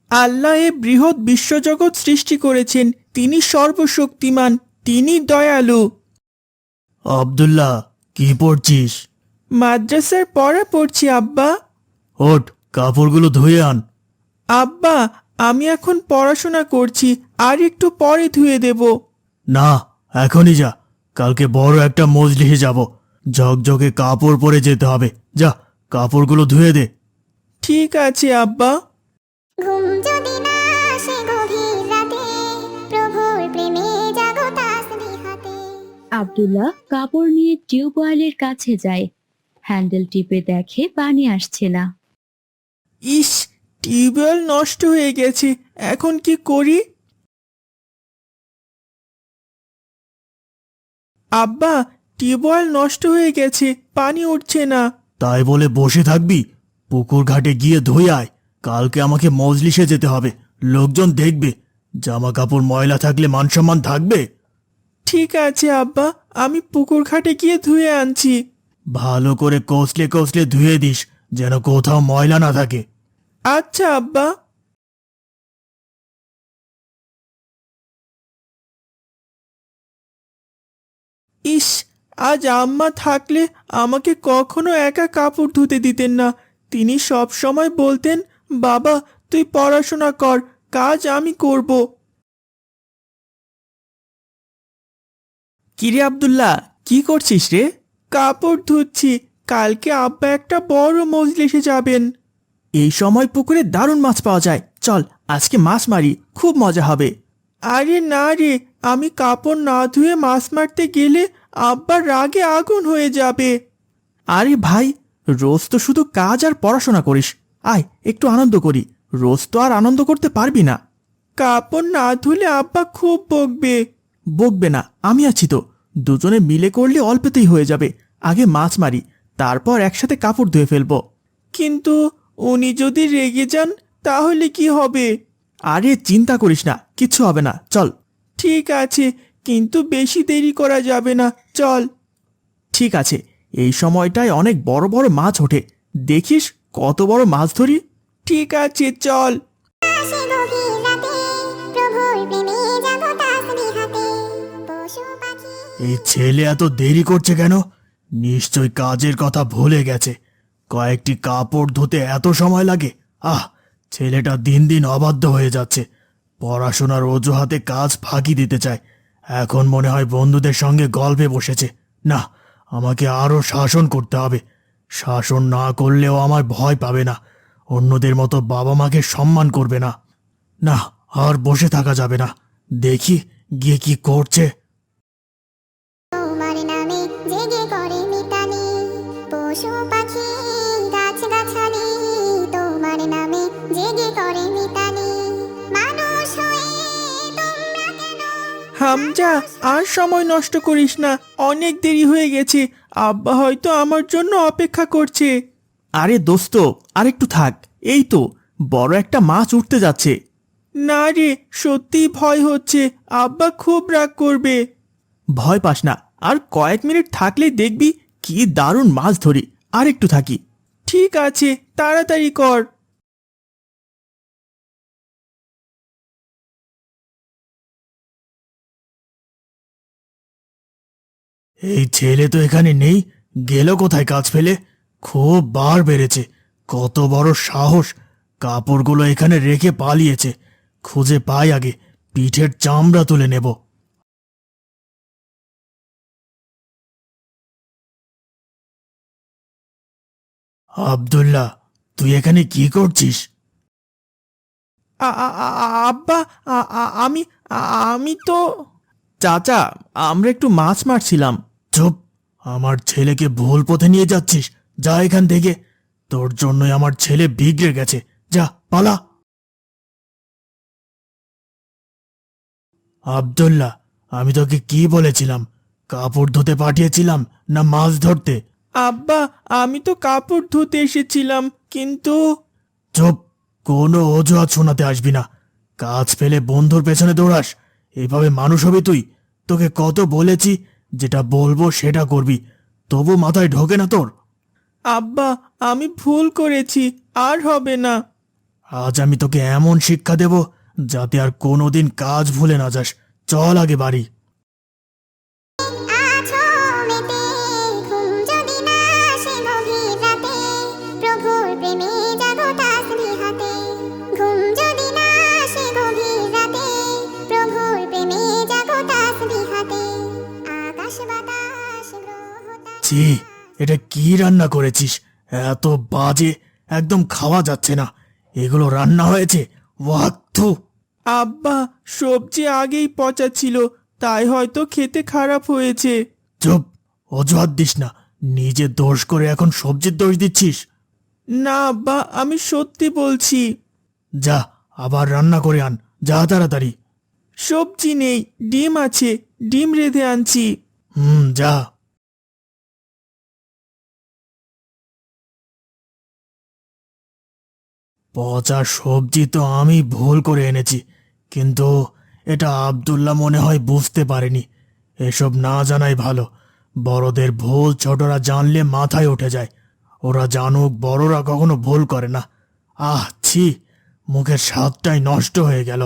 আল্লাহ এ বৃহৎ বিশ্বজগৎ সৃষ্টি করেছেন, তিনি সর্বশক্তিমান, তিনি দয়ালু। আব্দুল্লাহ, কি পড়ছিস? মাদ্রাসার পড়া পড়ছি আব্বা। ওঠ, কাপড়গুলো ধুয়ে আন। আব্বা, আমি এখন পড়াশোনা করছি, আর একটু পরে ধুয়ে দেব। না, এখনই যা, কালকে বড় একটা মজলিসে যাব, ঝকঝকে কাপড় পরে যেতে হবে। যা, কাপড়গুলো ধুয়ে দে। ঠিক আছে আব্বা। ঘুম যদি না আসে গভীর রাতে, প্রভুর প্রেমে জাগো তাসবিহাতে। আব্দুল্লাহ কাপড় নিয়ে টিউবওয়েলের কাছে যায়। হ্যান্ডেল টিপে দেখে পানি আসছে না। ইস, টিউবওয়েল নষ্ট হয়ে গেছে, এখন কি করি? আব্বা, টিউবওয়েল নষ্ট হয়ে গেছে, পানি উঠছে না। তাই বলে বসে থাকবি? পুকুর ঘাটে গিয়ে ধুয়ে আয়, কালকে আমাকে মজলিসে যেতে হবে, লোকজন দেখবে। জামা কাপড় ময়লা থাকলে মানসম্মান থাকবে? ঠিক আছে আব্বা, আমি পুকুর ঘাটে গিয়ে ধুয়ে আনছি। ভালো করে কষলে কষলে ধুয়ে দিস, যেন কোথাও ময়লা না থাকে। আচ্ছা আব্বা। ইস, আজ আম্মা থাকলে আমাকে কখনো একা কাপড় ধুতে দিতেন না। তিনি সব সময় বলতেন, বাবা তুই পড়াশোনা কর, কাজ আমি করব। কিরে আব্দুল্লাহ, কি করছিস রে? কাপড় ধুচ্ছি, কালকে আব্বা একটা বড় মজলিসে যাবেন। এই সময় পুকুরে দারুণ মাছ পাওয়া যায়, চল আজকে মাছ মারি, খুব মজা হবে। আরে না রে, আমি কাপড় না ধুয়ে মাছ মারতে গেলে আব্বার রাগে আগুন হয়ে যাবে। আরে ভাই, রোজ তো শুধু কাজ আর পড়াশোনা করিস, আয় একটু আনন্দ করি। রোজ তো আর আনন্দ করতে পারবি না। কাপড় না ধুলে আব্বা খুব বকবে। বকবে না, আমি আছি তো। দুজনে মিলে করলে অল্পতেই হয়ে যাবে। আগে মাছ মারি, তারপর একসাথে কাপড় ধুয়ে ফেলবো। কিন্তু উনি যদি রেগে যান তাহলে কি হবে? আরে চিন্তা করিস না, কিচ্ছু হবে না, চল। ঠিক আছে, কিন্তু বেশি দেরি করা যাবে না, চল। ঠিক আছে, এই সময়টায় অনেক বড় বড় মাছ ওঠে, দেখিস কত বড় মাছ ধরি। ঠিক আছে, চল। আসে গভীর রাতে, প্রভুর প্রেমে জাগো তাসবিহাতে। পশু পাখি এই ছেলে এত দেরি করছে কেন? নিশ্চয় কাজের কথা ভুলে গেছে। কয়েকটি কাপড় ধুতে এত সময় লাগে? ছেলেটা দিন দিন অবাধ্য হয়ে যাচ্ছে। পড়াশোনার অজুহাতে কাজ ফাঁকি দিতে চায়। এখন মনে হয় বন্ধুদের সঙ্গে গল্পে বসেছে। না, আমাকে আরো শাসন করতে হবে। শাসন না করলেও আমার ভয় পাবে না, অন্যদের মতো বাবা মাকে সম্মান করবে না। না, আর বসে থাকা যাবে না, দেখি গিয়ে কি করছে। তোমার নামে জেগে করে মিতালি, পশু পাখি গাছ গাছালি, তোমার নামে জেগে করে মিতালি। মানুষ হয়ে তোমরা কেন? হামজা, আর সময় নষ্ট করিস না, অনেক দেরি হয়ে গেছে। আব্বা হয়তো আমার জন্য অপেক্ষা করছে। আরে দোস্ত, আর একটু থাক, এই তো বড় একটা মাছ উঠতে যাচ্ছে। না রে, সত্যিই ভয় হচ্ছে, আব্বা খুব রাগ করবে। ভয় পাস না, আর কয়েক মিনিট থাকলেই দেখবি কি দারুণ মাছ ধরি। আর একটু থাকি। ঠিক আছে, তাড়াতাড়ি কর। এই ছেলে তো এখানে নেই, গেল কোথায় কাজ ফেলে? খুব বার বেড়েছে, কত বড় সাহস! কাপড়গুলো এখানে রেখে পালিয়েছে। খুঁজে পাই আগে, পিঠের চামড়া তুলে নেব। আব্দুল্লাহ, তুই এখানে কি করছিস? আব্বা, আমি আমি তো চাচা, আমরা একটু মাছ মারছিলাম। চুপ! আমার ছেলেকে ভুল পথে নিয়ে যাচ্ছিস, যা এখান থেকে। তোর জন্যই আমার ছেলে বিগড়ে গেছে, যা পালা। আব্দুল্লাহ, আমি তোকে কি বলেছিলাম? কাপড় ধুতে পাঠিয়েছিলাম না মাছ ধরতে? আব্বা, আমি তো কাপড় ধুতে এসেছিলাম, কিন্তু চুপ! কোনো অজুহাত শোনাতে আসবি না। কাজ ফেলে বন্ধুর পেছনে দৌড়াস? এভাবে মানুষ হবি তুই? তোকে কত বলেছি যেটা বলবো সেটা করবি, তবু মাথায় ঢোকে না তোর? আব্বা, আমি ভুল করেছি, আর হবে না। আজ আমি তোকে এমন শিক্ষা দেব যাতে আর কোনোদিন কাজ ভুলে না যাস। চল আগে বাড়ি। আছো মেতে, ঘুম যদি না আসে গভীর রাতে, প্রভুর প্রেমে জাগো তাসবিহাতে। ঘুম যদি না আসে গভীর রাতে, প্রভুর প্রেমে জাগো তাসবিহাতে। আকাশ বাতাস গ্রহ তারা ছি, এটা কি রান্না করেছিস? এত বাজে, একদম খাওয়া যাচ্ছে না। এগুলো রান্না হয়েছে? ওয়াক্তু। আব্বা, সবজি আগেই পচা ছিল, তাই হয়তো খেতে খারাপ হয়েছে। চুপ, অজুহাত দিস না। নিজে দোষ করে এখন সবজির দোষ দিচ্ছিস। না আব্বা, আমি সত্যি বলছি। যা, আবার রান্না করে আন, যা তাড়াতাড়ি। সবজি নেই, ডিম আছে, ডিম রেঁধে আনছি। যা। পচা সবজি তো আমি ভুল করে এনেছি, কিন্তু এটা আব্দুল্লাহ মনে হয় বুঝতে পারেনি। এসব না জানাই ভালো। বড়দের ভুল ছোটরা জানলে মাথায় উঠে যায়। ওরা জানুক, বড়রা কখনো ভুল করে না। আহ ছি, মুখের স্বাদটাই নষ্ট হয়ে গেল।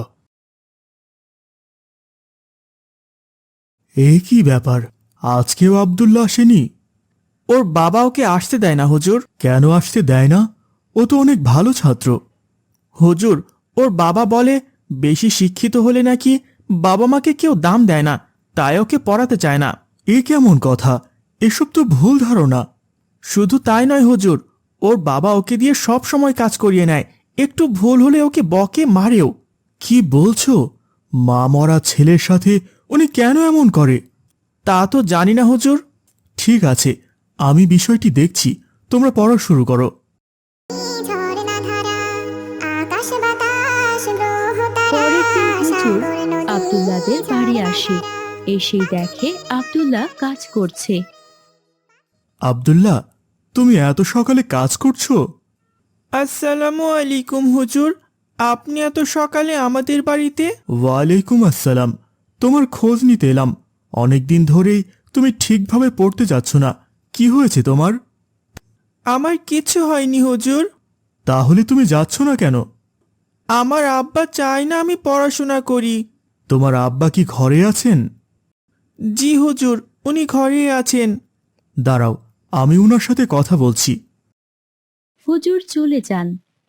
এ কি ব্যাপার? আজকেও আব্দুল্লাহ আসেনি? ওর বাবা ওকে আসতে দেয় না হুজুর। কেন আসতে দেয় না? ও তো অনেক ভালো ছাত্র। হুজুর, ওর বাবা বলে বেশি শিক্ষিত হলে নাকি বাবা মাকে কেউ দাম দেয় না, তাই ওকে পড়াতে চায় না। এ কেমন কথা? এসব তো ভুল ধারণা। শুধু তাই নয় হুজুর, ওর বাবা ওকে দিয়ে সব সময় কাজ করিয়ে নেয়, একটু ভুল হলে ওকে বকে, মারেও। কি বলছো? মা মরা ছেলের সাথে উনি কেন এমন করে? তা তো জানি না হুজুর। ঠিক আছে, আমি বিষয়টি দেখছি। তোমরা পড়া শুরু করো। ঝর্ণা ধারা, আকাশ বাতাস গ্রহ তারা, পরের দিন হুজুর সাগর নদী আব্দুল্লাহদের বাড়ি ঝর্ণা আসে। ধারা। এসেই দেখে আব্দুল্লাহ কাজ করছে। আব্দুল্লাহ, তুমি এত সকালে কাজ করছো? আসসালামু আলাইকুম হুজুর, আপনি এত সকালে আমাদের বাড়িতে? ওয়ালাইকুম আসসালাম। তোমার খোঁজ নিতে এলাম। অনেকদিন ধরেই তুমি ঠিকভাবে পড়তে যাচ্ছ না। কি হয়েছে তোমার? আমার কিছু হয়নি হুজুর। তাহলে তুমি যাচ্ছ না কেন? আমার আব্বা চায় না আমি পড়াশোনা করি। তোমার আব্বা কি ঘরে আছেন? জি হুজুর, উনি ঘরে আছেন। দাঁড়াও, আমি উনার সাথে কথা বলছি। হুজুর চলে যান।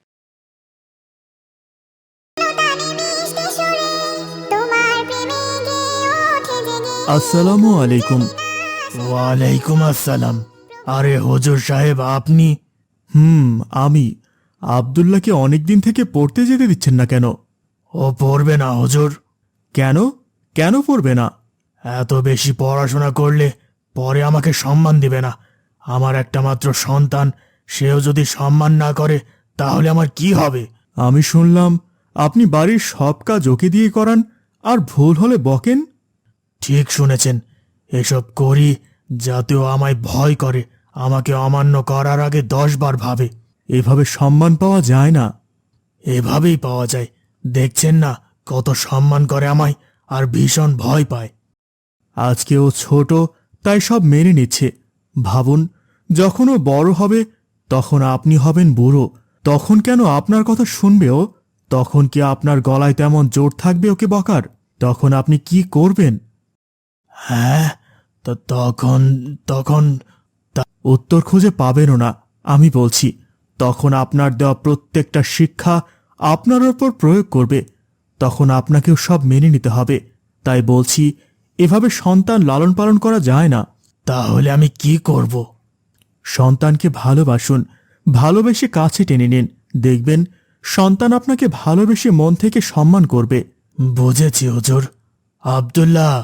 তানে মিষ্টি সুরে, তোমার প্রেমে গেয়ে ওঠে জেগে। আসসালামু আলাইকুম। ওয়ালাইকুম আসসালাম। আরে হুজুর সাহেব, আপনি? আমি। আব্দুল্লাহকে অনেকদিন থেকে পড়তে যেতে দিচ্ছেন না কেন? ও পড়বে না হুজুর। কেন? কেন পড়বে না? এত বেশি পড়াশোনা করলে পরে আমাকে সম্মান দিবে না। আমার একটা মাত্র সন্তান, সেও যদি সম্মান না করে তাহলে আমার কি হবে? আমি শুনলাম আপনি বাড়ির সব কাজ ওকে দিয়ে করান, আর ভুল হলে বকেন। ঠিক শুনেছেন। এসব করি যাতেও আমায় ভয় করে, আমাকে অমান্য করার আগে 10 বার ভাবে। এভাবে সম্মান পাওয়া যায় না। এভাবেই পাওয়া যায়। দেখছেন না কত সম্মান করে আমায়, আর ভীষণ ভয় পায়। আজকে ও ছোট, তাই সব মেনে নিচ্ছে। ভাবুন, যখন ও বড় হবে, তখন আপনি হবেন বুড়ো। তখন কেন আপনার কথা শুনবে ও? তখন কি আপনার গলায় তেমন জোর থাকবে ওকে বকার? তখন আপনি কি করবেন? হ্যাঁ, তো তখন তখন উত্তর খুঁজে পাবেনও না। আমি বলছি, তখন আপনার দেওয়া প্রত্যেকটা শিক্ষা আপনার ওপর প্রয়োগ করবে। তখন আপনাকেও সব মেনে নিতে হবে। তাই বলছি, এভাবে সন্তান লালন পালন করা যায় না। তাহলে আমি কি করব? সন্তানকে ভালোবাসুন, ভালোবেসে কাছে টেনে নিন। দেখবেন সন্তান আপনাকে ভালোবেসে মন থেকে সম্মান করবে। বুঝেছি হুজুর। আব্দুল্লাহ।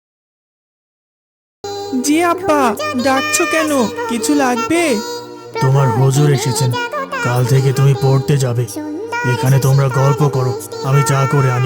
জি আব্বা, ডাকছো কেন? কিছু লাগবে? তোমার হুজুর এসেছেন। কাল থেকে তুমি পড়তে যাবে। এখানে তোমরা গল্প করো, আমি চা করে আনি।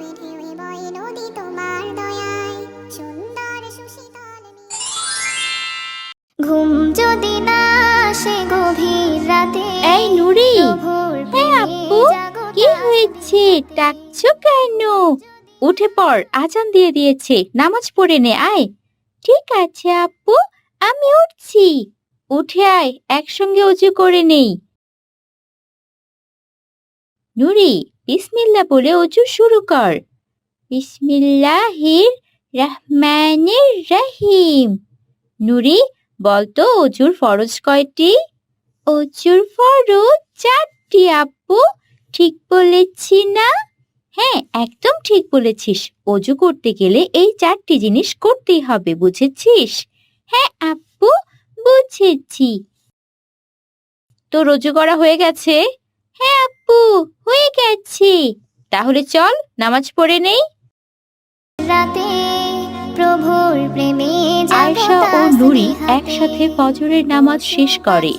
ঘুম যদি না আসে গভীর রাতে, এই নুরি, প্রভুর হ্যাঁ প্রেমে আপু, জাগো কি হয়েছে? ডাকছো কেন? উঠে পড়, আজান দিয়ে দিয়েছে, নামাজ পড়ে নে, আয়। ঠিক আছে আপু, আমি উঠছি। উঠে আয়, একসঙ্গে উজু করে নেই। নুরি, বিসমিল্লাহ বলে অজু শুরু কর। বিসমিল্লাহির রহমানির রহিম। নুরি, বলতো অজুর ফরজ কয়টি? অজুর ফরজ 4টি আপু। ঠিক বলেছি না? হ্যাঁ, একদম ঠিক বলেছিস। অজু করতে গেলে এই 4টি জিনিস করতেই হবে, বুঝেছিস? হ্যাঁ আপু, বুঝেছি। তোর অজু করা হয়ে গেছে? হ্যাঁ আপু, হয়ে গেছে। তাহলে চল নামাজ পড়ে নেই। রাতে প্রভুর প্রেমে আয়েশা ও নুরি একসাথে ফজরের নামাজ শেষ করে।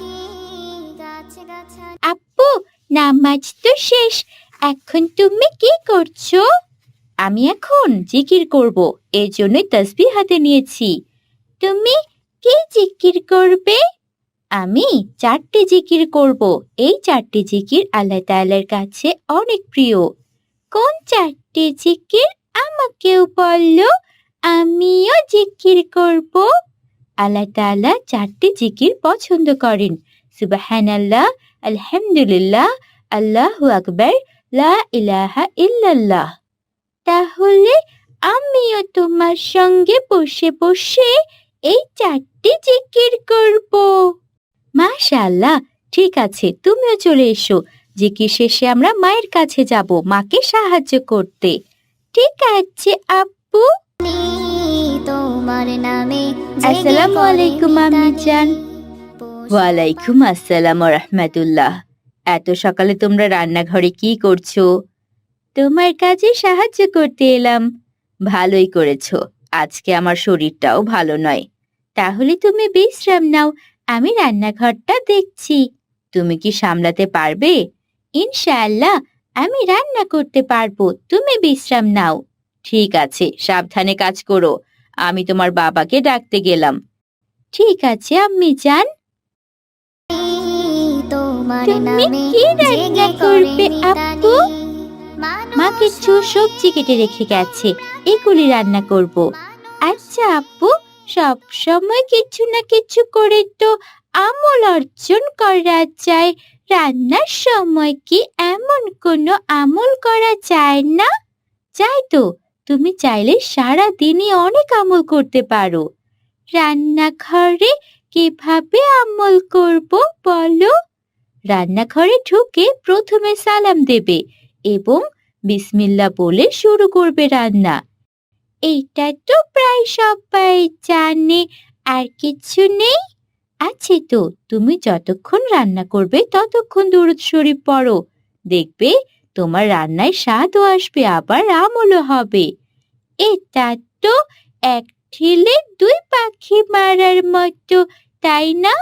আপু, নামাজ তো শেষ, এখন তুমি কি করছো? আমি এখন জিকির করব, এর জন্যই তাসবিহ হাতে নিয়েছি। তুমি কি জিকির করবে? আমি 4টি জিকির করব। এই 4টি জিকির আল্লাহ তাআলার কাছে অনেক প্রিয়। কোন 4টি জিকির আমাকেও বললো, আমিও জিকির করব। আল্লাহ তাআলা 4টি জিকির পছন্দ করেন। সুবহানাল্লাহ, আলহামদুলিল্লাহ, আল্লাহু আকবার, লা ইলাহা ইল্লাল্লাহ। তাহলে আমিও তোমার সঙ্গে বসে বসে এই 4টি জিকির করব। মাশাআল্লাহ, ঠিক আছে, তুমিও চলে এসো। জিকির শেষে আমরা মায়ের কাছে যাব মাকে সাহায্য করতে। ঠিক আছে আপু। তোমার নামে আসসালামু আলাইকুম আম্মি জান। ওয়ালাইকুম আসসালাম ওয়া রাহমাতুল্লাহ। এত সকালে তোমরা রান্নাঘরে কি করছো? তোমার কাজে সাহায্য করতে এলাম। ভালোই করেছো, আজকে আমার শরীরটাও ভালো নয়। তাহলে তুমি বিশ্রাম নাও, আমি রান্নাঘরটা দেখছি। তুমি কি সামলাতে পারবে? ইনশাআল্লাহ আমি রান্না করতে পারবো, তুমি বিশ্রাম নাও। ঠিক আছে, সাবধানে কাজ করো। আমি তোমার বাবাকে ডাকতে গেলাম। ঠিক আছে আম্মি জান। তুমি কি রান্না করবে আপু? মা কিছু সবজি কেটে রেখে গেছে, এগুলি রান্না করব। আচ্ছা আপু, সব সময় কিছু না কিছু করে তো আমল অর্জন করা যায়, রান্নার সময় কি এমন কোনো আমল করা যায় না? যায় তো, তুমি চাইলে সারা দিনই অনেক আমল করতে পারো। রান্নাঘরে কিভাবে আমল করব বলো? রান্নাঘরে ঢুকে প্রথমে সালাম দেবে এবং বিসমিল্লাহ বলে শুরু করবে রান্না। এইটা তো প্রায় সবাই জানে, আর কিছু নেই? আছে তো, তুমি যতক্ষণ রান্না করবে ততক্ষণ দুরূদ শরীফ পড়ো, দেখবে তোমার রান্নায় স্বাদও আসবে, আবার আমলও হবে। এটা তো এক ঢিলে 2 পাখি মারার মতো, তাই না?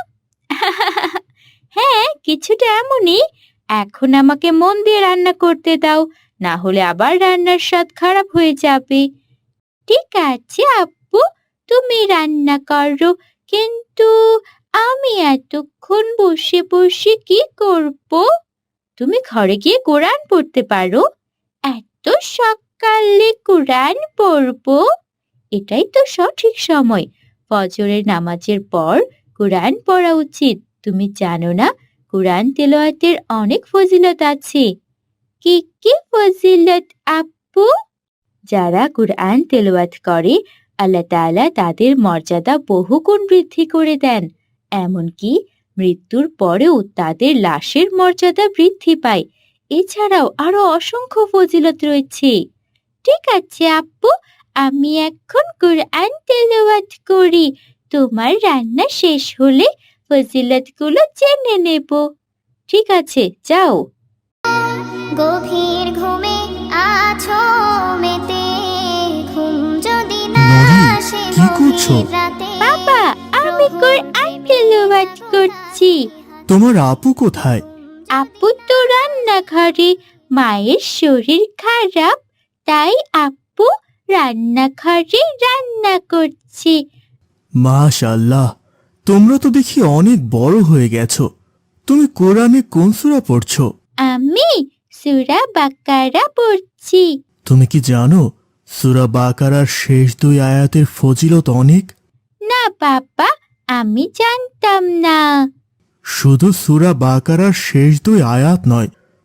হ্যাঁ, কিছুটা এমনই। এখন আমাকে মন দিয়ে রান্না করতে দাও, না হলে আবার রান্নার স্বাদ খারাপ হয়ে যাবে। ঠিক আছে আপু, তুমি রান্না করো, কিন্তু আমি এতক্ষণ বসে বসে কি করব? তুমি ঘরে গিয়ে কোরআন পড়তে পারো। এত সকালে কোরআন পড়বো? এটাই তো সঠিক সময়। ফজরের নামাজের পর কোরআন পড়া উচিত। তুমি জানো না, কোরআন তেলাওয়াতের অনেক ফজিলত আছে। কি কি ফজিলত আপু? যারা কোরআন তেলাওয়াত করে আল্লাহ তাআলা তাদের মর্যাদা বহুগুণ বৃদ্ধি করে দেন। এমনকি মৃত্যুর পরেও তাদের লাশের মর্যাদা বৃদ্ধি পায়। এছাড়াও আরো অসংখ্য ফজিলত রয়েছে। ঠিক আছে আপু, আমি এখন কোরআন তেলাওয়াত করি। তোমার রান্না শেষ হলে ফজিলতগুলো জেনে নেব। ঠিক আছে, যাও। গভীর ঘুমে আছো মেতে, ঘুম যদি না নুরি, আসে কি করছো? গভীর রাতে, বাবা, আমি কোরআন তেলাওয়াত করছি। তোমার আপু কোথায়? আপু তো রান্নাঘরে, মায়ের শরীর খারাপ, তাই আপু রান্নাঘরে রান্না করছে। মাশাআল্লাহ, তোমরা তো দেখি অনেক বড় হয়ে গেছো। তুমি কোরআনে কোন সূরা পড়ছো? আমি সূরা বাকারা পড়ছি। তুমি কি জানো সূরা বাকারার শেষ 2 আয়াতের ফজিলত অনেক? না বাবা, আমি জানতাম না। শুধু সূরা বাকারার শেষ 2 আয়াত নয়,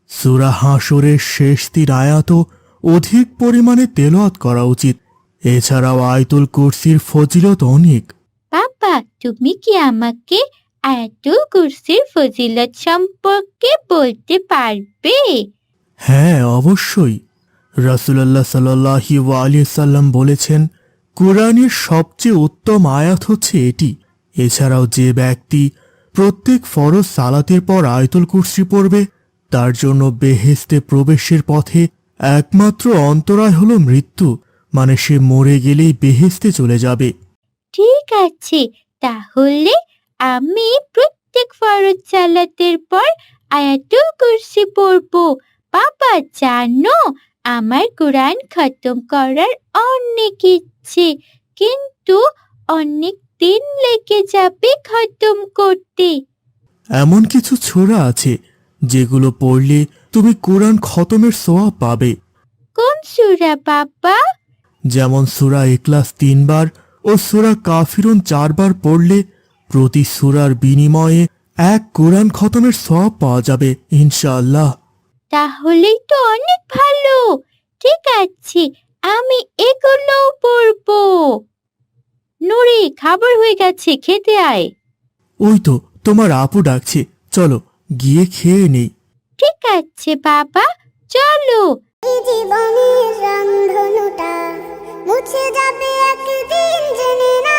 সূরা হাশরের শেষ 3 আয়াতও অধিক পরিমাণে তেলাওয়াত করা উচিত। এছাড়াও আয়াতুল কুরসির ফজিলত অনেক। বাবা, তুমি কি আমাকে আয়াতুল কুরসির ফজিলত সম্পর্কে বলতে পারবে? হ্যাঁ, অবশ্যই। রাসূলুল্লাহ সাল্লাল্লাহু আলাইহি সাল্লাম বলেছেন, কুরআনের সবচেয়ে উত্তম আয়াত হচ্ছে এটি। এছাড়াও যে ব্যক্তি প্রত্যেক ফরজ সালাতের পর আয়াতুল কুরসি পড়বে, তার জন্য বেহেশতে প্রবেশের পথে একমাত্র অন্তরায় হলো মৃত্যু, মানে সে মরে গেলেই বেহেশতে চলে যাবে। ঠিক আছে, তাহলে আমি প্রত্যেক ফরজ সালাতের পর আয়াতুল কুরসি পড়বো। বাবা জানো, আমার কোরআন খতম করার অনেক ইচ্ছে, কিন্তু অনেক দিন লেগে যাবে খতম করতে। এমন কিছু সূরা আছে যেগুলো পড়লে তুমি কোরআন খতমের সওয়াব পাবে। কোন সূরা বাবা? যেমন সূরা ইখলাস 3 বার ও সূরা কাফিরুন 4 বার পড়লে প্রতি সূরার বিনিময়ে এক কোরআন খতমের সওয়াব পাওয়া যাবে ইনশাআল্লাহ। তাহলেই তো অনেক ভালো। ঠিক আছে, আমি এগুলো পড়বো। নুরি, খাবার হয়ে গেছে, খেতে আয়। ওই তো তোমার আপু ডাকছে, চলো গিয়ে খেয়ে নেই। ঠিক আছে বাবা, চলো। এই জীবনের রংধনুটা মুছে যাবে একদিন, জেনে না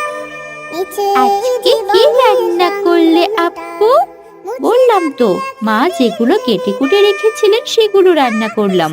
আজকে কি রান্না করলে আপু? বললাম তো, মা যেগুলো কেটে কুটে রেখেছিলেন সেগুলো রান্না করলাম।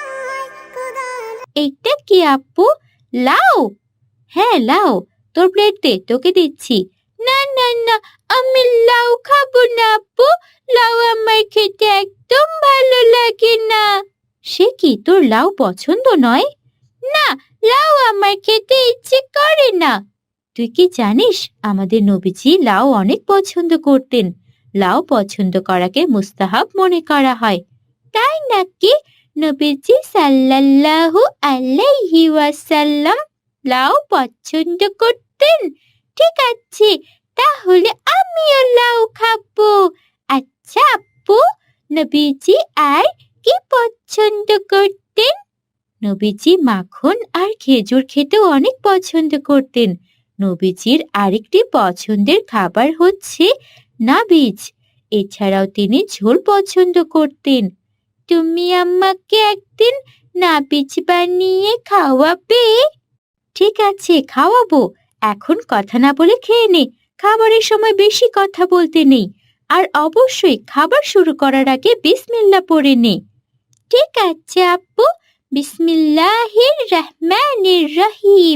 এইটা কি আপু? লাউ? হ্যাঁ লাউ, তোর প্লেট দে, তোকে দিচ্ছি। না না না, আমি লাউ খাবো না আপু, লাউ আমার খেতে একদম ভালো লাগে না। সে কি, তোর লাউ পছন্দ নয়? না, লাউ আমার খেতে ইচ্ছে করে না। তুই কি জানিস, আমাদের নবীজি লাউ অনেক পছন্দ করতেন। লাউ পছন্দ করাকে মুস্তাহাব মনে করা হয়। তাই নাকি? নবীজি সাল্লাল্লাহু আলাইহি ওয়াসাল্লাম লাউ পছন্দ করতেন? ঠিক আছে, তাহলে আমিও লাউ খাবো। আচ্ছা আপু, নবীজি আর কি পছন্দ করতেন? নবীজি মাখন আর খেজুর খেতেও অনেক পছন্দ করতেন। নবীজির আরেকটি পছন্দের খাবার হচ্ছে নাবিজ। এছাড়াও তিনি ঝোল পছন্দ করতেন। তুমি আমাকে একদিন নাবিজ বানিয়ে খাওয়াবে? ঠিক আছে, খাওয়াবো। এখন কথা না বলে খেয়ে নে, খাবারের সময় বেশি কথা বলতে নেই। আর অবশ্যই খাবার শুরু করার আগে বিসমিল্লাহ পড়ে নে। ঠিক আছে আপু, বিসমিল্লাহির রহমানির রহিম।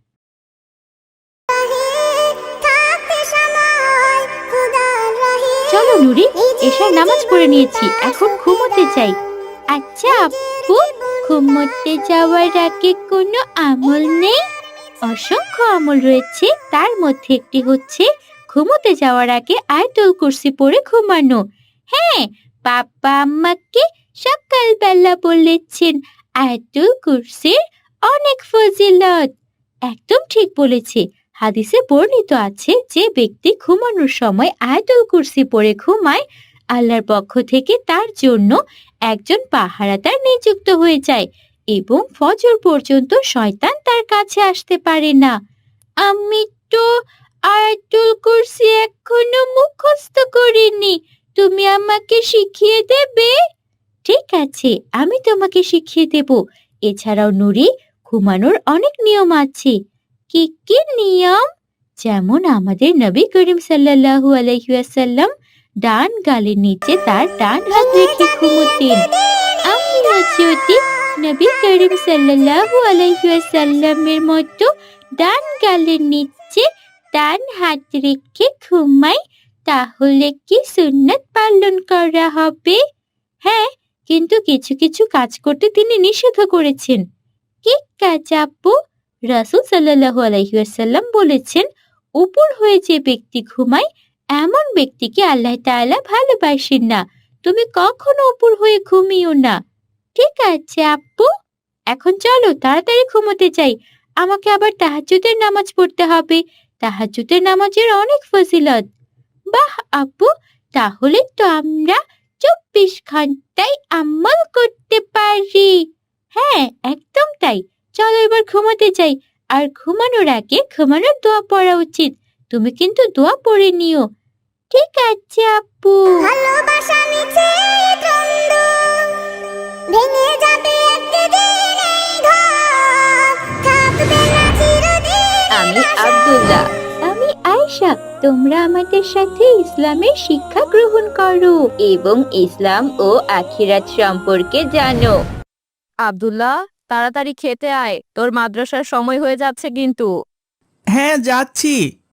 চলো নুরি, এশার নামাজ পড়ে নিয়েছি, এখন ঘুমোতে যাই। আচ্ছা আপু, ঘুমোতে যাওয়ার আগে কোনো আমল নেই? অসংখ্য আমল রয়েছে, তার মধ্যে একটি হচ্ছে ঘুমোতে যাওয়ার আগে আয়াতুল কুরসি পড়ে ঘুমানো। হ্যাঁ, বাবা আমাকে সকালবেলা বলেছেন আয়াতুল কুরসির অনেক ফজিলত। একদম ঠিক বলেছে। হাদিসে বর্ণিত আছে, যে ব্যক্তি ঘুমানোর সময় আয়াতুল কুরসি পড়ে ঘুমায়, আল্লাহর পক্ষ থেকে তার জন্য একজন পাহারাদার নিযুক্ত হয়ে যায় এবং ফজর পর্যন্ত শয়তান তার কাছে আসতে পারে না। আমি তো আয়াতুল কুরসি এখনো মুখস্থ করিনি, তুমি আমাকে শিখিয়ে দেবে? ঠিক আছে, আমি তোমাকে শিখিয়ে দেব। এছাড়াও নুরি, ঘুমানোর অনেক নিয়ম আছে। কি কি নিয়ম? যেমন আমাদের নবী করিম সাল্লাল্লাহু আলাইহি ওয়াসাল্লাম ডান গালের নিচে তার ডান হাত রেখে ঘুমোতেন। আমিও যদি নবী করিম সাল্লাল্লাহু আলাইহি ওয়াসাল্লামের মতো ডান গালের নিচে ডান হাত রেখে ঘুমাই, তাহলে কি সুন্নাত পালন করা হবে? হ্যাঁ, কিন্তু কিছু কিছু কাজ করতে তিনি নিষেধ করেছেন। কি কাজ আপু? রাসূল সাল্লাল্লাহু আলাইহি ওয়াসাল্লাম বলেছেন, উপর হয়ে যে ব্যক্তি ঘুমায় এমন ব্যক্তিকে আল্লাহ তাআলা ভালোবাসেন না। তুমি কখনো উপর হয়ে ঘুমিও না। ঠিক আছে আপু, এখন চলো তাড়াতাড়ি ঘুমোতে যাই, আমাকে আবার তাহাজ্জুদের নামাজ পড়তে হবে। তাহাজ্জুদের নামাজের অনেক ফজিলত। বাহ আপু, তাহলে তো আমরা চুপ ঘন্টায় আমল করতে পারি। হ্যাঁ, একদম তাই। চলো এবার ঘুমাতে যাই। আর ঘুমানোর আগে ঘুমানোর দোয়া পড়া উচিত। তুমি কিন্তু দোয়া পড়ে নিও। ঠিক আছে আপু। ভালোবাসা মিছে দ্বন্দ্ব ভেঙে যাবে একদিন এই ঘর থাকবে না চিরদিন। আমি আব্দুল্লাহ। আমি আয়েশা। তোমরা আমাদের সাথে ইসলামের শিক্ষা গ্রহণ করো এবং ইসলাম ও আখিরাত সম্পর্কে জানো। আব্দুল্লাহ, তাড়াতাড়ি খেতে আয়, তোর মাদ্রাসার সময় হয়ে যাচ্ছে কিন্তু। হ্যাঁ, যাচ্ছি।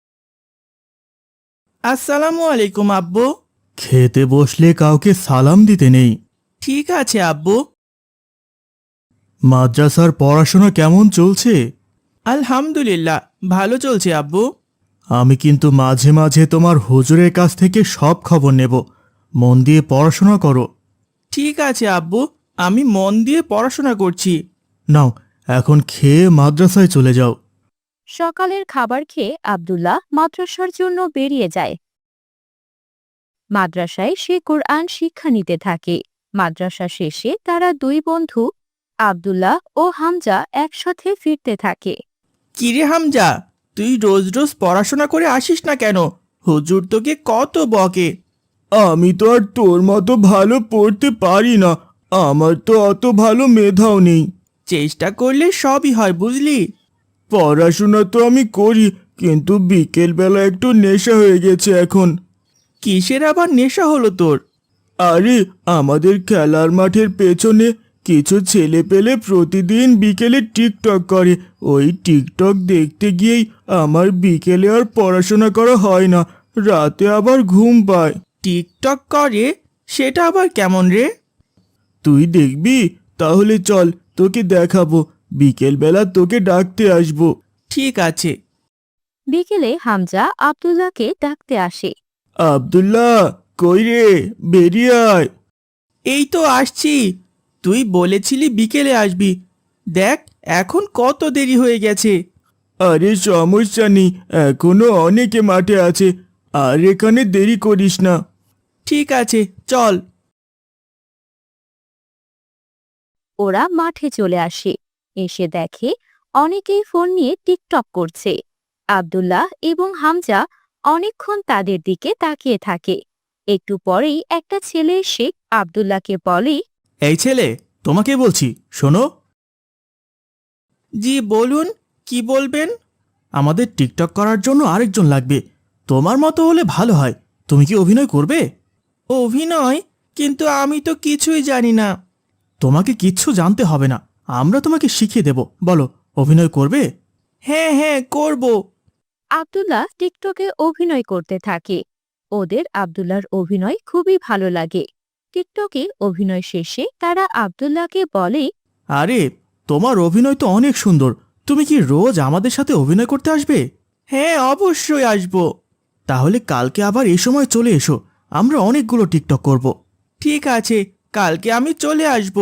আসসালামু আলাইকুম আব্বু। খেতে বসলে কাউকে সালাম দিতে নেই। ঠিক আছে আব্বু। মাদ্রাসার পড়াশোনা কেমন চলছে? আলহামদুলিল্লাহ, ভালো চলছে আব্বু। আমি কিন্তু মাঝে মাঝে তোমার হুজুরের কাছ থেকে সব খবর নেব। মন দিয়ে পড়াশোনা করো। ঠিক আছে আব্বু, আমি মন দিয়ে পড়াশোনা করছি। নাও, এখন খেয়ে মাদ্রাসায় চলে যাও। সকালের খাবার খেয়ে আব্দুল্লাহ মাদ্রাসার জন্য বেরিয়ে যায়। মাদ্রাসায় সে কোরআন শিক্ষা নিতে থাকে। মাদ্রাসা শেষে তারা দুই বন্ধু আব্দুল্লাহ ও হামজা একসাথে ফিরতে থাকে। কিরে হামজা, তুই রোজ রোজ পড়াশোনা করে আসিস না কেন? হুজুর তোকে কত বকে। আমি তো আর তোর মতো ভালো পড়তে পারি না। আমার তো অত ভালো মেধাও নেই। চেষ্টা করলে সবই হয়, বুঝলি? পড়াশোনা তো আমি করি, কিন্তু বিকেলবেলা একটু নেশা হয়ে গেছে এখন। কিসের আবার নেশা হলো তোর? আরে, আমাদের খেলার মাঠের পেছনে কিছু ছেলে পেলে প্রতিদিন বিকেলে টিকটক করে। ওই টিকটক দেখতে গিয়েই আমার বিকেলে আর পড়াশোনা করা হয় না, রাতে আবার ঘুম পায়। টিকটক করে? সেটা আবার কেমন রে? তুই দেখবি? তাহলে চল, তোকে দেখাবো। বিকেলবেলা তোকে ডাকতে আসবো। ঠিক আছে। বিকেলে হামজা আব্দুল্লাহকে ডাকতে আসে। আব্দুল্লাহ, কই রে? বেরিয়ে আয়। এই তো আসছি। তুই বলেছিলি বিকেলে আসবি। দেখ, এখন কত দেরি হয়ে গেছে। আরে সমস্যা নেই, এখনো অনেকে মাঠে আছে। আর এখানে দেরি করিস না। ঠিক আছে, চল। ওরা মাঠে চলে আসে। এসে দেখে অনেকেই ফোন নিয়ে টিকটক করছে। আব্দুল্লাহ এবং হামজা অনেকক্ষণ তাদের দিকে তাকিয়ে থাকে। একটু পরেই একটা ছেলে এসে আব্দুল্লাহকে বলে, এই ছেলে, তোমাকে বলছি, শোনো। জি বলুন, কি বলবেন? আমাদের টিকটক করার জন্য আরেকজন লাগবে। তোমার মতো হলে ভালো হয়। তুমি কি অভিনয় করবে? অভিনয়? কিন্তু আমি তো কিছুই জানি না। তোমাকে কিচ্ছু জানতে হবে না, আমরা তোমাকে শিখিয়ে দেব। বলো, অভিনয় করবে? হ্যাঁ হ্যাঁ, করব। আব্দুল্লাহ টিকটকে অভিনয় করতে থাকে। ওদের আব্দুল্লাহর অভিনয় খুবই ভালো লাগে। টিকটকে অভিনয় শেষে তারা আব্দুল্লাহকে বলে, আরে, তোমার অভিনয় তো অনেক সুন্দর। তুমি কি রোজ আমাদের সাথে অভিনয় করতে আসবে? হ্যাঁ, অবশ্যই আসব। তাহলে কালকে আবার এই সময় চলে এসো, আমরা অনেকগুলো টিকটক করব। ঠিক আছে, কালকে আমি চলে আসব।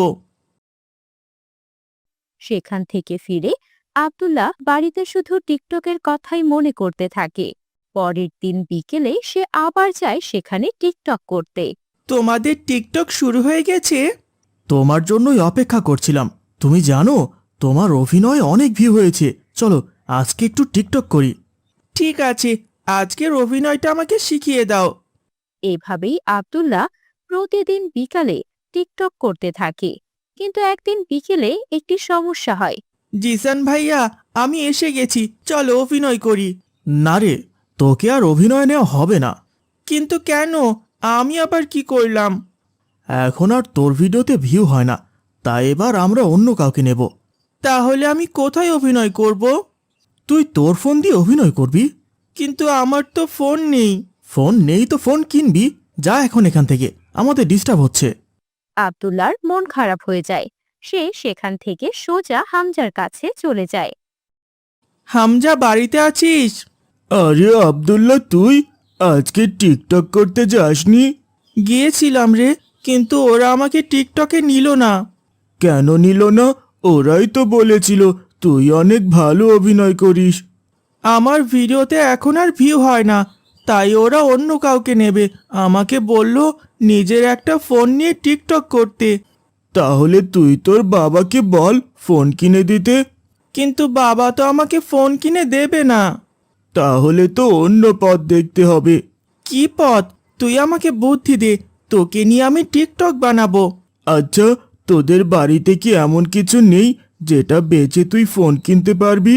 সেখান থেকে ফিরে আব্দুল্লাহ বাড়িতে শুধু টিকটকের কথাই মনে করতে থাকে। পরের দিন বিকেলে সে আবার যায় সেখানে টিকটক করতে। তোমাদের টিকটক শুরু হয়ে গেছে? তোমার জন্যই অপেক্ষা করছিলাম। তুমি জানো, তোমার অভিনয় অনেক ভিউ হয়েছে। চলো, আজকে একটু টিকটক করি। ঠিক আছে, আজকের অভিনয়টা আমাকে শিখিয়ে দাও। এভাবেই আব্দুল্লাহ প্রতিদিন বিকালে টিকটক করতে থাকে। কিন্তু একদিন বিকেলে একটি সমস্যা হয়। জিসান ভাইয়া, আমি এসে গেছি, চলো অভিনয় করি। না রে, তোকে আর অভিনয় নেওয়া হবে না। কিন্তু কেন? আমি আবার কি করলাম? এখন আর তোর ভিডিওতে ভিউ হয় না, তাই এবার আমরা অন্য কাউকে নেব। তাহলে আমি কোথায় অভিনয় করব? তুই তোর ফোন দিয়ে অভিনয় করবি। কিন্তু আমার তো ফোন নেই। ফোন নেই তো ফোন কিনবি। যা এখন এখান থেকে, আমাদের ডিস্টার্ব হচ্ছে। আব্দুল্লাহর মন খারাপ হয়ে যায়। সে সেখান থেকে সোজা হামজার কাছে চলে যায়। হামজা, বাড়িতে আছিস? আরে আব্দুল্লাহ, তুই আজকে টিকটক করতে যাসনি? গিয়েছিলাম রে, কিন্তু ওরা আমাকে টিকটকে নিল না। কেন নিল না? ওরাই তো বলেছিল তুই অনেক ভালো অভিনয় করিস। আমার ভিডিওতে এখন আর ভিউ হয় না, তাই ওরা অন্য কাউকে নেবে। আমাকে বলল নিজের একটা ফোন নিয়ে টিকটক করতে। তাহলে তুই তোর বাবাকে বল ফোন কিনে দিতে। কিন্তু বাবা তো আমাকে ফোন কিনে দেবে না। তাহলে তো অন্য পথ দেখতে হবে। কি পথ? তুই আমাকে বুদ্ধি দে, তোকে নিয়ে আমি টিকটক বানাবো। আচ্ছা, তোদের বাড়িতে কি এমন কিছু নেই যেটা বেচে তুই ফোন কিনতে পারবি?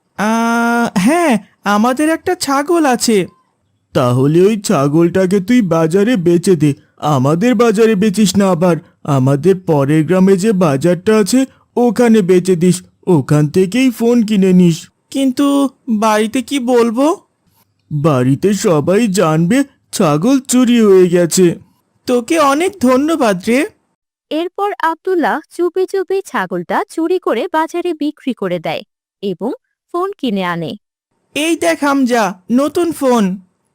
হ্যাঁ, আমাদের একটা ছাগল আছে। তাহলে ওই ছাগলটাকে তুই বাজারে বেচে দে। আমাদের বাজারে বেচিস না, আবার আমাদের পরের গ্রামে যে বাজারটা আছে ওখানে বেচে দিস। ওখান থেকেই ফোন কিনে নিস। কিন্তু বাড়িতে কি বলবো? বাড়িতে সবাই জানবে ছাগল চুরি হয়ে গেছে। তোকে অনেক ধন্যবাদ রে। এরপর আব্দুল্লাহ চুপি চুপি ছাগলটা চুরি করে বাজারে বিক্রি করে দেয় এবং ফোন কিনে আনে। এই দেখ হামজা, নতুন ফোন।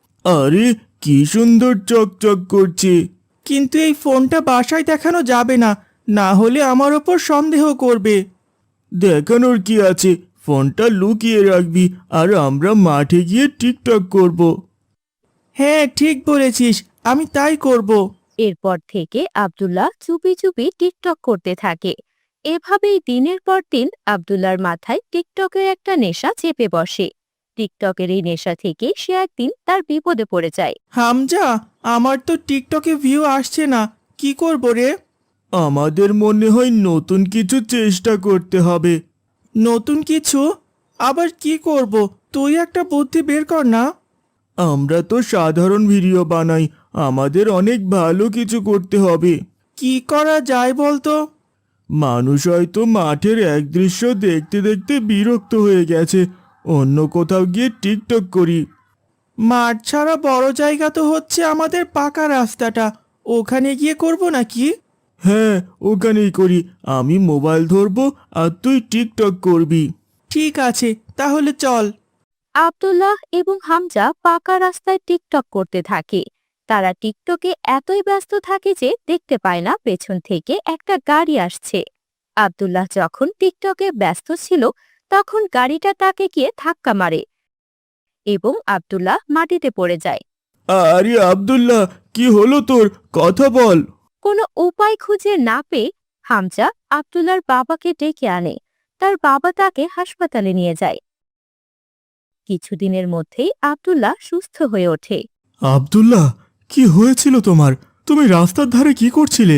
আরে কি সুন্দর চকচক করছে। কিন্তু এই ফোনটা বাসায় দেখানো যাবে না, না হলে আমার ওপর সন্দেহ করবে। দেখানোর কি আছে, ফোনটা লুকিয়ে রাখবি আর আমরা মাঠে গিয়ে টিকটক করব। হ্যাঁ, ঠিক বলেছিস, আমি তাই করব। এরপর থেকে আব্দুল্লাহ চুপি চুপি টিকটক করতে থাকে। এভাবেই দিনের পর দিন আব্দুল্লাহর মাথায় টিকটকের একটা নেশা চেপে বসে। টিকটকের এই নেশা থেকে সে একদিন তার বিপদে পড়ে যায়। হামজা, আমার তো টিকটকে ভিউ আসছে না, কি করব রে? আমাদের মনে হয় নতুন কিছু চেষ্টা করতে হবে। নতুন কিছু? আবার কি করব? তুই একটা বুদ্ধি বের কর না। আমরা তো সাধারণ ভিডিও বানাই, আমাদের অনেক ভালো কিছু করতে হবে। কি করা যায় বলতো? মানুষ হয়তো মাঠের এক দৃশ্য দেখতে দেখতে বিরক্ত হয়ে গেছে, অন্য কোথাও গিয়ে টিকটক করি। মাঠ ছাড়া বড় জায়গা তো হচ্ছে আমাদের পাকা রাস্তাটা, ওখানে গিয়ে করব নাকি? হ্যাঁ, ওখানেই করি। আমি মোবাইল ধরবো আর তুই টিকটক করবি। ঠিক আছে, তাহলে চল। আব্দুল্লাহ এবং হামজা পাকা রাস্তায় টিকটক করতে থাকে। তারা টিকটকে এতই ব্যস্ত থাকে যে দেখতে পায় না পেছন থেকে একটা গাড়ি আসছে। আব্দুল্লাহ যখন টিকটকে ব্যস্ত ছিল তখন গাড়িটা তাকে গিয়ে ধাক্কা মারে এবং আব্দুল্লাহ মাটিতে পড়ে যায়। আরে আব্দুল্লাহ, কি হলো তোর? কথা বল। কোনো উপায় খুঁজে না পেয়ে হামজা আব্দুল্লাহর বাবাকে ডেকে আনে। তার বাবা তাকে হাসপাতালে নিয়ে যায়। কিছুদিনের মধ্যেই আব্দুল্লাহ সুস্থ হয়ে ওঠে। আব্দুল্লাহ, কি হয়েছিল তোমার? তুমি রাস্তার ধারে কি করছিলে?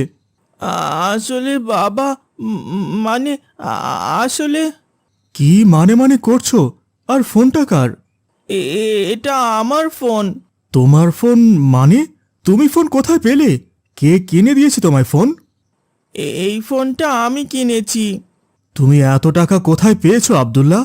আসলে বাবা, মানে আসলে কি মানে করছো? আর ফোনটা কার? এটা আমার ফোন। তোমার ফোন মানে? তুমি ফোন কোথায় পেলে? কে কিনে দিয়েছে তোমায় ফোন? এই ফোনটা আমি কিনেছি। তুমি এত টাকা কোথায় পেয়েছো আব্দুল্লাহ?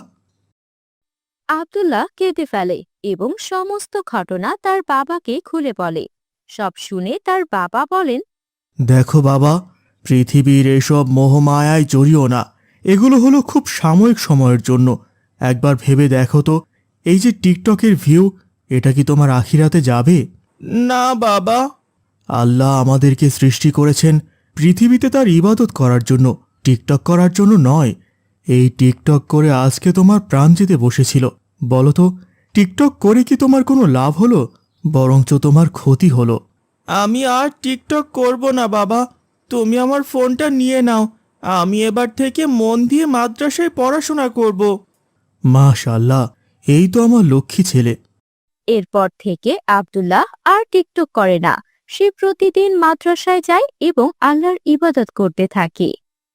আব্দুল্লাহ কেঁদে ফেলে এবং সমস্ত ঘটনা তার বাবাকে খুলে বলে। সব শুনে তার বাবা বলেন, দেখো বাবা, পৃথিবীর এসব মোহমায়ায় জড়িও না। এগুলো হলো খুব সাময়িক সময়ের জন্য। একবার ভেবে দেখো তো, এই যে টিকটকের ভিউ, এটা কি তোমার আখিরাতে যাবে? না বাবা। আল্লাহ আমাদেরকে সৃষ্টি করেছেন পৃথিবীতে তার ইবাদত করার জন্য, টিকটক করার জন্য নয়। এই টিকটক করে আজকে তোমার প্রাণ যেতে বসেছিল। বলো তো, টিকটক করে কি তোমার কোনো লাভ হলো? বরঞ্চ তোমার ক্ষতি হলো। আমি আর টিকটক করব না বাবা, তুমি আমার ফোনটা নিয়ে নাও। আমি এবার থেকে মন দিয়ে মাদ্রাসায় পড়াশোনা করব। মাশাআল্লাহ, এই তো আমার লক্ষ্মী ছেলে। এরপর থেকে আব্দুল্লাহ আর টিকটক করে না। সে প্রতিদিন মাদ্রাসায় যায় এবং আল্লাহর ইবাদত করতে থাকে।